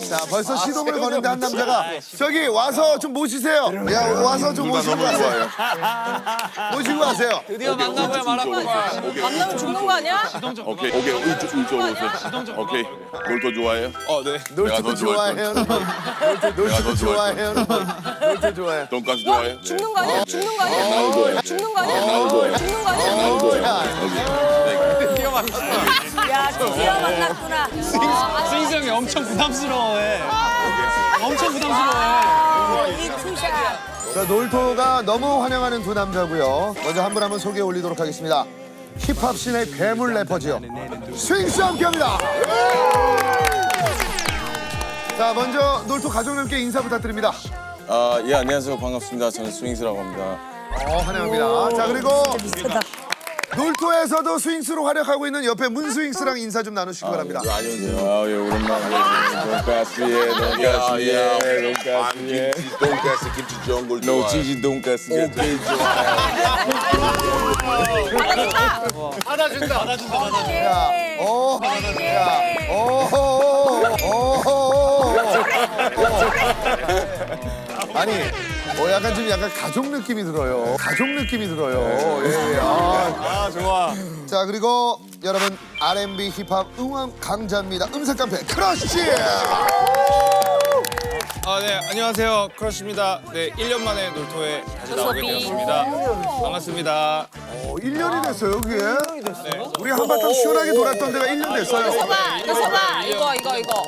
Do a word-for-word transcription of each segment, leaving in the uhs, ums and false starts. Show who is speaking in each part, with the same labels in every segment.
Speaker 1: 자, 벌써 시동을 거는데 한 남자가 저기 와서 좀 모시세요. 야, 와서 좀 모시고 가세요. 모시고 가세요.
Speaker 2: 드디어 만나고야 말았구만.
Speaker 3: 만나면 죽는 거 아니야?
Speaker 4: 오케이, 오케이, 이쪽, 이쪽으로 오세요. 오케이, 놀토 좋아해요?
Speaker 2: 어, 네.
Speaker 1: 놀토
Speaker 4: 더
Speaker 1: 좋아해요. 놀토 좋아해요. 놀토 좋아해요.
Speaker 4: 돈가스 좋아해요?
Speaker 3: 죽는 거 아니야? 죽는 거 아니야?
Speaker 4: 나오고요.
Speaker 3: 죽는 거 아니야?
Speaker 4: 나오고요.
Speaker 3: 죽는 거 아니야?
Speaker 4: 나오고요.
Speaker 3: 야, 드디어 만났구나.
Speaker 2: 스윙스 형이 엄청 부담스러워해. 엄청 부담스러워해.
Speaker 3: 이 투샷.
Speaker 1: 자, 놀토가 너무 환영하는 두 남자고요. 먼저 한 분 한 분 소개해 올리도록 하겠습니다. 힙합 씬의 괴물 래퍼지요. 스윙스와 함께합니다. 자, 먼저 놀토 가족님께 인사 부탁드립니다.
Speaker 5: 아, 예, 안녕하세요. 반갑습니다. 저는 스윙스라고 합니다.
Speaker 1: 어, 환영합니다. 자, 그리고 놀토에서도 스윙스로 활약하고 있는 옆에 문스윙스랑 인사 좀 나누시기 바랍니다.
Speaker 5: 안녕하세요. 아, 예, 오랜만에. 돈가스에, 돈가스에, 돈가스에.
Speaker 4: 돈가스, 김치 좋은 걸
Speaker 5: 노
Speaker 4: 좋아해요.
Speaker 5: 치즈 돈가스. 오케이,
Speaker 2: 받아준다, 받아준다, 받아준다.
Speaker 1: 야, 오, 야, 오, 오, 오, 아니, 어, 약간 좀 약간 가족 느낌이 들어요. 가족 느낌이 들어요. 예, 예. 아,
Speaker 2: 아, 좋아.
Speaker 1: 자, 그리고 여러분 알앤비 힙합 응원 강자입니다. 음색 깡패 크러쉬.
Speaker 2: 아, 네, 안녕하세요. 크러쉬입니다. 네, 일 년 만에 놀토에 다시 나오게 되었습니다. 반갑습니다.
Speaker 1: 어, 일 년이 됐어요, 그게? 우리 한바탕 시원하게 돌았던 데가 일 년 됐어요.
Speaker 3: 서봐, 이거 서봐. 이거, 이거, 이거.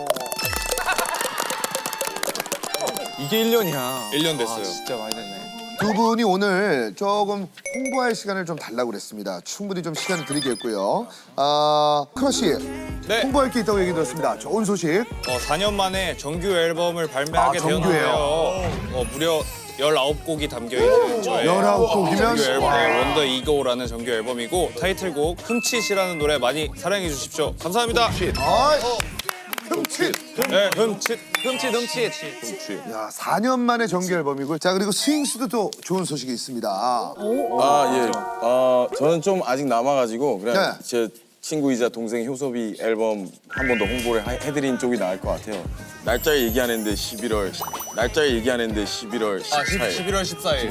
Speaker 2: 이게 일 년이야. 일 년 됐어요.
Speaker 5: 진짜 많이 됐네.
Speaker 1: 두 분이 오늘 조금 홍보할 시간을 좀 달라고 그랬습니다. 충분히 좀 시간을 드리겠고요. 아, 크러쉬.
Speaker 2: 네.
Speaker 1: 홍보할 게 있다고 얘기 들었습니다. 좋은 소식.
Speaker 2: 어, 사 년 만에 정규 앨범을 발매하게
Speaker 1: 아, 정규예요?
Speaker 2: 되었는데요. 어, 무려 열아홉 곡이 담겨있는 저의
Speaker 1: 열아홉 곡이면?
Speaker 2: 정규 앨범의 원더 이고라는 정규 앨범이고 타이틀곡 흠칫이라는 노래 많이 사랑해 주십시오. 감사합니다.
Speaker 1: 아이, 흠칫.
Speaker 2: 네, 흠칫. 흠칫, 흠칫.
Speaker 1: 야, 사 년 만에 정규 앨범이고. 자, 그리고 스윙스도 또 좋은 소식이 있습니다.
Speaker 5: 아, 예. 아, 저는 좀 아직 남아가지고 그냥
Speaker 1: 네.
Speaker 5: 제 친구이자 동생 효섭이 앨범 한 번 더 홍보를 하- 해드린 쪽이 나을 것 같아요. 날짜 얘기하는데 십일월, 날짜 얘기하는데 십일월
Speaker 2: 아,
Speaker 5: 십사일.
Speaker 2: 십일월 십사일.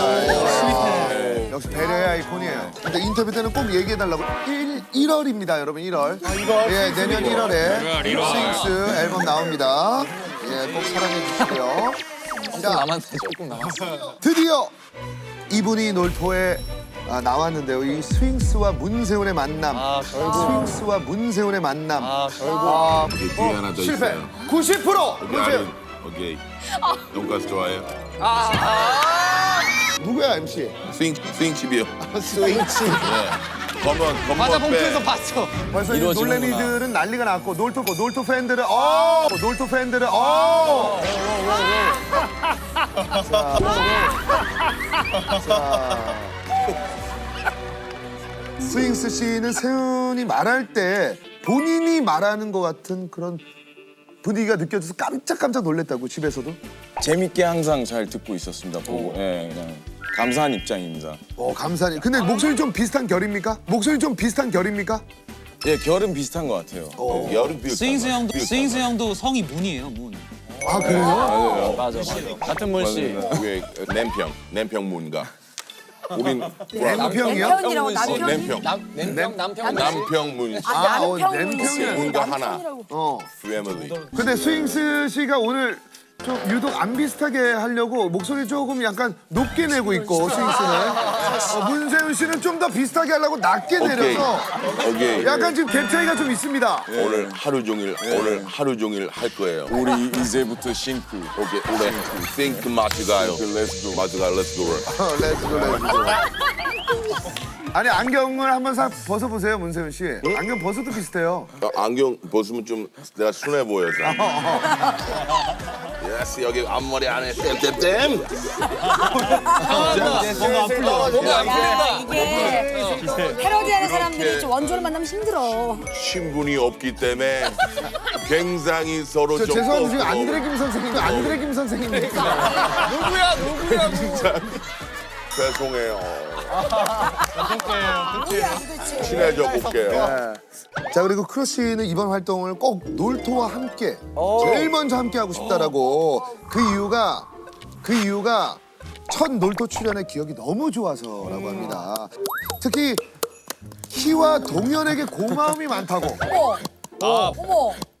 Speaker 1: 역시 배려의 아이콘이에요. 근데 인터뷰 때는 꼭 얘기해달라고. 일, 일월입니다, 여러분, 일월. 아, 일월? 예, 내년 일월에 스윙스 앨범 나옵니다. 예, 꼭 사랑해 주시고요. 자,
Speaker 5: 남았네, 조금 남았어.
Speaker 1: 드디어 이분이 놀토에 아, 나왔는데요. 이 스윙스와 문세훈의 만남.
Speaker 2: 아, 결국.
Speaker 1: 스윙스와 문세훈의 만남.
Speaker 2: 아, 결국.
Speaker 1: 아,
Speaker 4: 뒤에 하나 더
Speaker 1: 실패.
Speaker 4: 있어요.
Speaker 1: 구십 퍼센트
Speaker 4: 오케이,
Speaker 1: 문세훈.
Speaker 4: 오케이. 돈가스 좋아해요?
Speaker 1: 누구야, 엠씨?
Speaker 4: 스윙, 스윙칩이요.
Speaker 1: 스윙치.
Speaker 4: 네. 검은, 검은
Speaker 2: 맞아,
Speaker 4: 빼.
Speaker 2: 봉투에서 봤어.
Speaker 1: 벌써 이
Speaker 5: 이루어지는구나.
Speaker 1: 놀래미들은 난리가 났고 놀토 거 놀토 팬들은 어 놀토 팬들은 어 스윙스 씨는 세훈이 말할 때 본인이 말하는 것 같은 그런 분위기가 느껴져서 깜짝깜짝 놀랐다고 집에서도.
Speaker 5: 재밌게 항상 잘 듣고 있었습니다. 보고, 예, 그냥 감사한 입장입니다.
Speaker 1: 어 감사하니. 근데 목소리 좀 비슷한 결입니까? 목소리 좀 비슷한 결입니까?
Speaker 5: 예, 결은 비슷한 것 같아요.
Speaker 4: 여름 비슷한
Speaker 6: 스윙스
Speaker 4: 거.
Speaker 6: 형도
Speaker 4: 비슷한
Speaker 6: 스윙스
Speaker 4: 거.
Speaker 6: 형도 성이 문이에요, 문.
Speaker 1: 아 그래요?
Speaker 5: 맞아요.
Speaker 6: 맞아, 맞아. 같은 문씨.
Speaker 4: 그게 냄평, 냄평문가. 우린
Speaker 1: 남평이요?
Speaker 3: 남편이라고 남편.
Speaker 4: 냄평,
Speaker 2: 남평, 남평.
Speaker 4: 남평문.
Speaker 1: 아, 어,
Speaker 3: 남편
Speaker 1: 남평이라고.
Speaker 4: 문가 하나.
Speaker 1: 어.
Speaker 4: 패밀리.
Speaker 1: 근데 스윙스 씨가 오늘 좀 유독 안 비슷하게 하려고 목소리 조금 약간 높게 내고 있고 스윙스는 어, 문세훈 씨는 좀 더 비슷하게 하려고 낮게
Speaker 4: 오케이.
Speaker 1: 내려서
Speaker 4: 오케이.
Speaker 1: 약간 지금 갭 차이가 좀 있습니다.
Speaker 4: 오늘 하루 종일 오늘 하루 종일 할 거예요.
Speaker 5: 우리 이제부터 싱크.
Speaker 4: 오케이, 오늘 think 마주 가요. Let's go. 마주 가. Let's go.
Speaker 1: 어, 렛츠고 렛츠고. 아니 안경을 한번 싹 벗어보세요 문세훈 씨. 안경 벗어도 비슷해요.
Speaker 4: 어, 안경 벗으면 좀 내가 순해 보여서. 예스 여기 앞머리 안에 땜땜땜.
Speaker 3: 야, 이게 패러디하는 사람들이 좀 원조를 만나면 힘들어.
Speaker 4: 친분이 없기 때문에 굉장히 서로
Speaker 1: 저
Speaker 4: 좀
Speaker 1: 죄송한데 지금
Speaker 4: 꺾고.
Speaker 1: 안드레 김 선생님 안드레 김 선생님입니까?
Speaker 2: 누구야, 누구야, 누구야.
Speaker 4: 죄송해요. 친해져 볼게요.
Speaker 1: 자 그리고 크러쉬는 이번 활동을 꼭 놀토와 함께 제일 먼저 함께 하고 싶다라고 그 이유가 그 이유가 첫 놀토 출연의 기억이 너무 좋아서라고 합니다. 특히 키와 동현에게 고마움이 많다고.
Speaker 3: 어머.
Speaker 2: 아,
Speaker 3: 어머.